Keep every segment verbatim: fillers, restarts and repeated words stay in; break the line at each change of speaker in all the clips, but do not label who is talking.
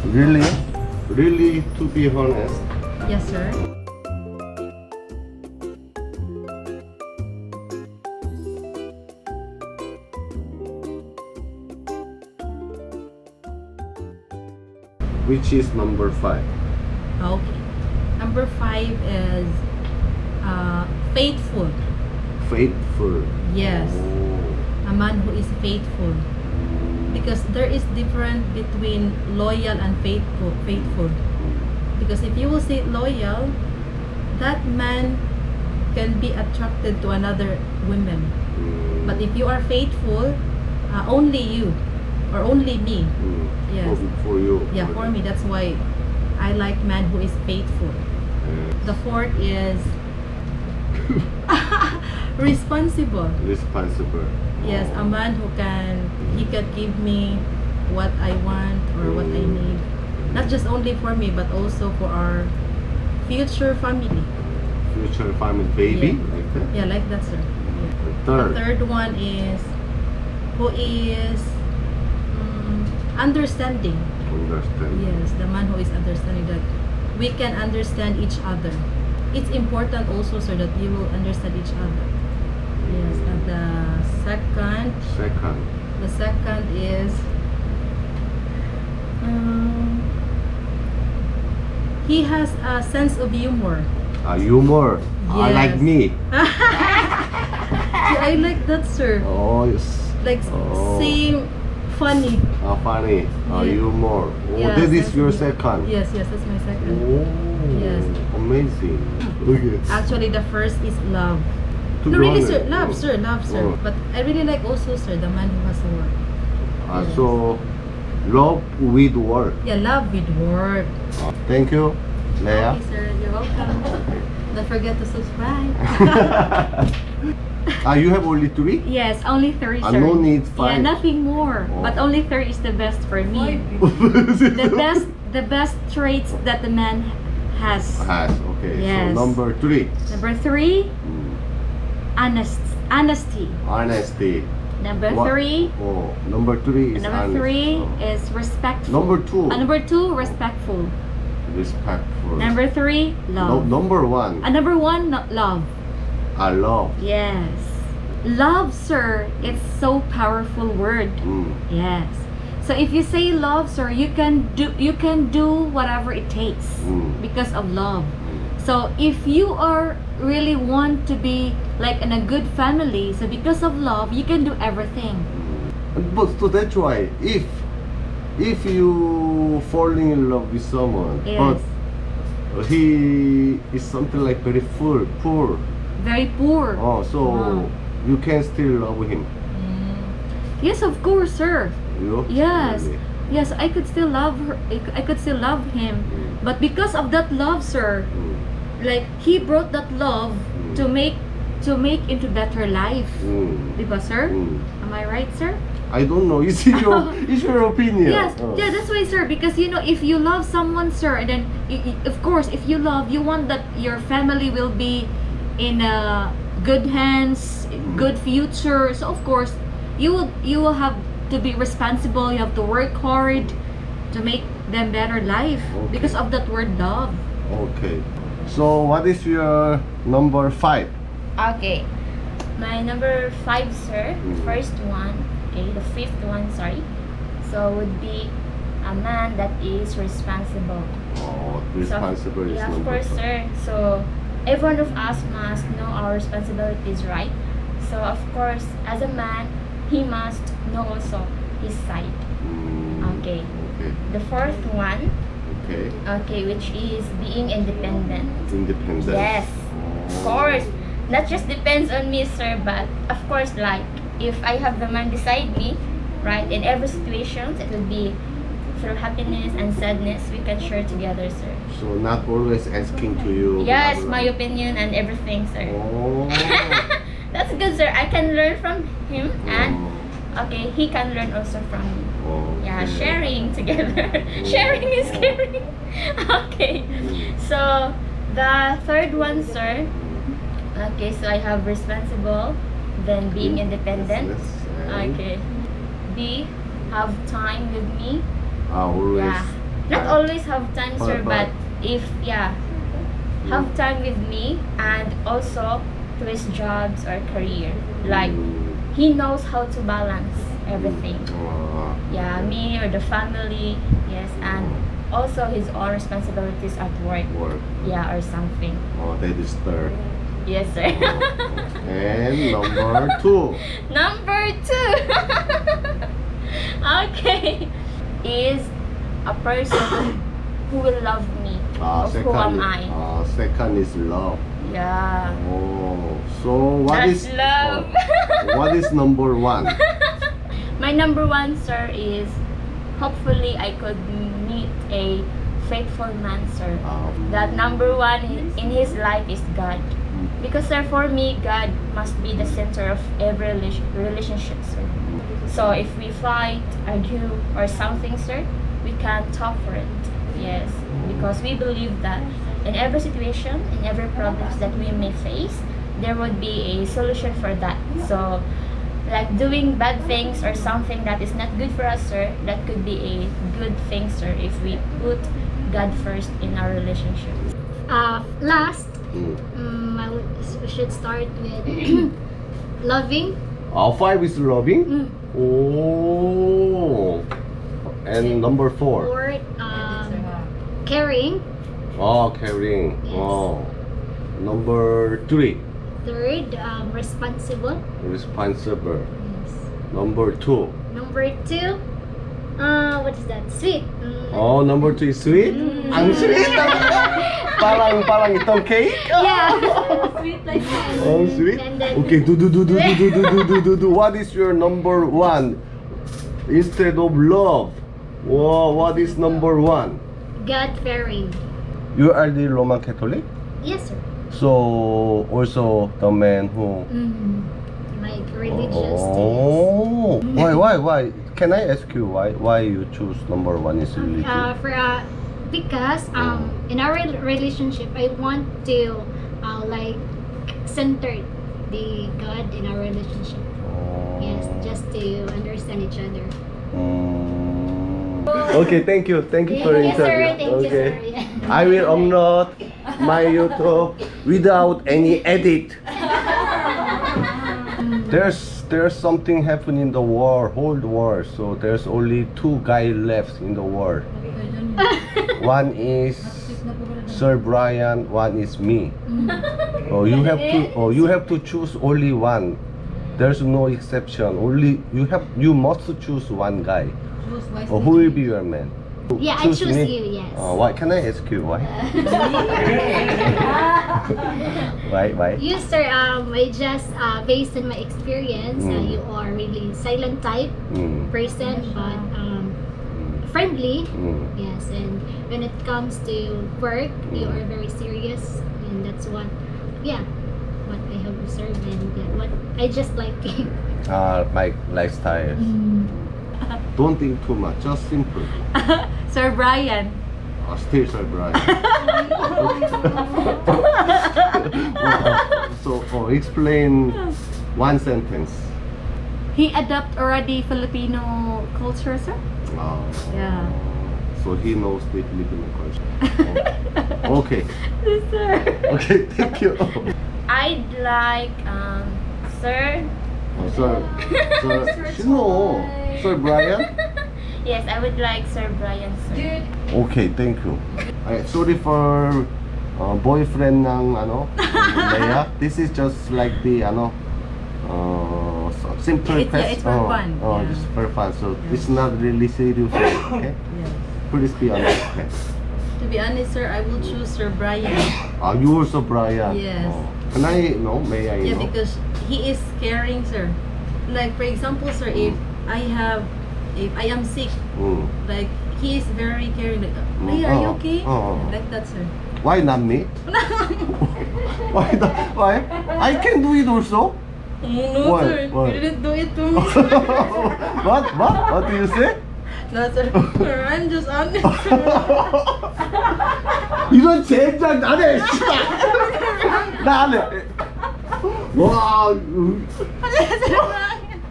Really? Really, to be honest,
Yes, sir.
which is number five?
Okay. Number five is uh, faithful.
Faithful.
Yes.
Oh.
A man who is faithful. Because there is difference between loyal and faithful. Faithful. Because if you will say loyal, that man can be attracted to another woman.
Mm.
But if you are faithful, uh, only you or only me.
Mm.
Yes.
For, for you.
Yeah, for me, that's why I like man who is faithful.
Yes.
The fourth is responsible.
Responsible.
Yes, a man who can, he can give me what I want or what I need. Not just only for me, but also for our future family.
Future family, baby,
Yeah.
like that.
Yeah, like that, sir. Yeah.
The
The
third.
third one is who is mm, understanding.
Understand.
Yes, the man who is understanding, that we can understand each other. It's important also, sir, that you will understand each other. Yes, and the second,
Second.
the second is um, he has a sense of humor.
Uh, humor. I like
Yes.
me.
Yeah, I like that, sir.
Oh, yes.
Like
Oh.
same funny.
Uh, funny. Uh,
Yeah.
humor. Oh,
Yeah,
that is
sense
your
of-
second.
Yes, yes, that's my second.
Oh.
Yes.
Amazing. Okay.
Actually, the first is love.
To
No,
be
really,
honest,
sir. Love,
oh.
sir. Love, sir.
Oh.
But I really like also, sir, the man who has a work.
Uh,
Yes.
So, love with work.
Yeah, love with work.
Uh, thank you, Leah.
Okay, sir. You're welcome. Don't forget to subscribe.
Ah, you have only three?
Yes, only three,
Ah,
sir.
no need
Yeah,
five.
nothing more.
Oh.
But only three is the best for me. The best, the best traits that the man has.
Has, okay.
Yes.
So, number three.
Number three,
Mm,
honest, honesty.
honesty.
Number
What-
three,
Oh, number three is
number
honest.
three
Oh.
is respectful.
Number two.
Uh, number two, respectful.
Respectful.
Number three,
No,
love.
number one.
Uh, number one, no- love.
I love.
Yes. Love, sir, it's so powerful word.
Mm.
Yes. So if you say love, sir, you can do you can do whatever it takes
Mm.
because of love. So if you are really want to be like in a good family, so because of love, you can do everything.
And But so that's why if if you falling in love with someone,
Yes.
but he is something like very poor, poor.
Very poor.
Oh, so
Wow.
you can still love him.
Mm.
Yes, of course, sir.
You?
Yes.
Really?
Yes, I could still love her. I c- I could still love him.
Mm.
But because of that love, sir,
Mm.
like he brought that love
Mm.
to make to make into better life.
Mm.
Diba, sir?
Mm.
Am I right, sir?
I don't know. It's your it's your opinion.
Yes,
Oh.
yeah, that's why, sir. Because you know, if you love someone, sir, and then y- y- of course, if you love, you want that your family will be in uh, good hands, good future. So of course, you will you will have to be responsible. You have to work hard to make them better life
Okay.
because of that word love.
Okay. So what is your number five?
Okay. My number five, sir.
Mm.
First one. Okay, the fifth one, sorry. So would be a man that is responsible.
Oh,
So,
responsible is
yeah, of
number
course,
five.
sir. So every one of us must know our responsibilities, right? So of course, as a man, he must know also his side.
Mm,
Okay.
Okay.
The fourth one,
Okay.
okay, which is being independent.
Independent.
Yes,
Oh.
of course. Not just depends on me, sir, but of course, like if I have the man beside me, right, in every situation, it will be through happiness and sadness, we can share together, sir.
So not always asking to you.
Yes,
blah, blah.
my opinion and everything, sir.
Oh.
That's good, sir. I can learn from him, and
Oh.
okay, he can learn also from me.
Okay.
Yeah, sharing together. Sharing is caring. Okay. So the third one, sir. Okay, so I have responsible, then being independent.
Yes, and
Okay. B, have time with me.
I always
Yeah. Not always have time, sir,
But-
but if yeah, have time with me and also to his jobs or career. Like
Mm.
he knows how to balance everything.
Uh,
Yeah, me or the family, yes, and also his own responsibilities at work.
work.
Yeah, or something.
Oh, that is third.
Yes, sir.
And number two.
Number two. Okay. Is a person who will love me.
Uh,
Of who am
second,
I?
uh, second is love.
Yeah.
Oh, so what
That's
is
love.
oh, what is number one?
My number one, sir, is hopefully I could meet a faithful man, sir.
Uh,
That number one in in his life is God. Because, sir, for me, God must be the center of every rela- relationship, sir. So if we fight, argue, or something, sir, we can talk for it. Yes, because we believe that in every situation, in every problems that we may face, there would be a solution for that. So, like doing bad things or something that is not good for us, sir, that could be a good thing, sir, if we put God first in our relationships.
Uh, last,
mm.
um, I would, we should start with loving.
Uh, five is loving.
Mm.
Oh, and number four.
Or um, caring.
Oh, caring.
Yes.
Oh, number three,
Third, um, responsible.
responsible.
Yes.
Number two.
Number two, uh, what is that? Sweet. Mm.
Oh, number two is sweet.
Mm.
Ang sweet. parang parang itong cake.
Yeah.
Sweet like that.
Oh, sweet.
And then-
Okay, do do do do do do do do do do. What is your number one instead of love? Wow, what is number one?
God fearing.
You are the Roman Catholic,
Yes, sir.
so also the man who.
Mm. Like religious.
Oh, why why why? Can I ask you why why you choose number one is religion?
Uh, for uh, because um in our rel- relationship, I want to uh, like center the God in our relationship. Yes, just to understand each other.
Mm. Okay, thank you, thank you for
Yes, sir.
interview.
Thank
Okay,
you, sir. Yeah.
I will upload my YouTube without any edit. There's there's something happening in the world, whole world. So there's only two guys left in the world. One is Sir Brian, one is me. Oh, you have to oh you have to choose only one. There's no exception. Only you have you must choose one guy.
Choose wisely.
Oh, who will be your man?
Yeah, I choose you, yes.
Oh, why? Can I ask you why? why? Why?
You, sir, um, I just, uh, based on my experience, uh,
Mm.
you are really silent type
Mm.
person, but um, friendly.
Mm.
Yes, and when it comes to work, you
Mm.
are very serious, and that's what, yeah, what I have observed, and uh, what I just like.
Ah, my lifestyle. Don't think too much. Just simple.
Sir Brian.
Oh, still Sir Brian. so, oh, explain one sentence.
He adopt already Filipino culture, sir?
Oh.
Yeah.
So he knows the Filipino culture. Oh. Okay.
Sir.
Okay, thank you.
I'd like, um, sir.
Oh, sir, sir, sino? Sir Brian?
Yes, I would like Sir Brian, sir.
Okay, thank you. Ay, sorry for uh, boyfriend ng ano, Leia. This is just like the ano, uh, so- simple
It's- yeah,
test.
it's for
oh,
fun,
Oh,
yeah.
just for fun. So it's not really serious. Okay,
Yes.
please be honest. Okay.
To be honest, sir, I will choose Sir Brian.
Ah, you also Brian.
Yes.
Oh. Can I know? May I
Yeah,
know?
because he is caring, sir. Like for example, sir, if I have, if I am sick,
Mm.
like he is very caring. Like,
Mm.
hey, are you
Oh,
okay?
oh.
Like that, sir.
Why not me? Why not? Why? I can do it also.
No,
Why?
sir.
Why?
You didn't do it to me.
what? What? What do you say?
No, sir. I'm just honest.
이런 젠장 나네 씨발 나네 와 으.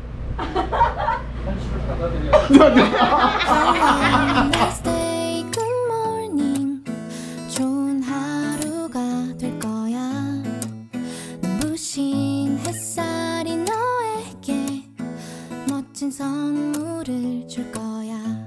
Stay good. 부신 햇살이 너에게 멋진 선물을 줄 거야.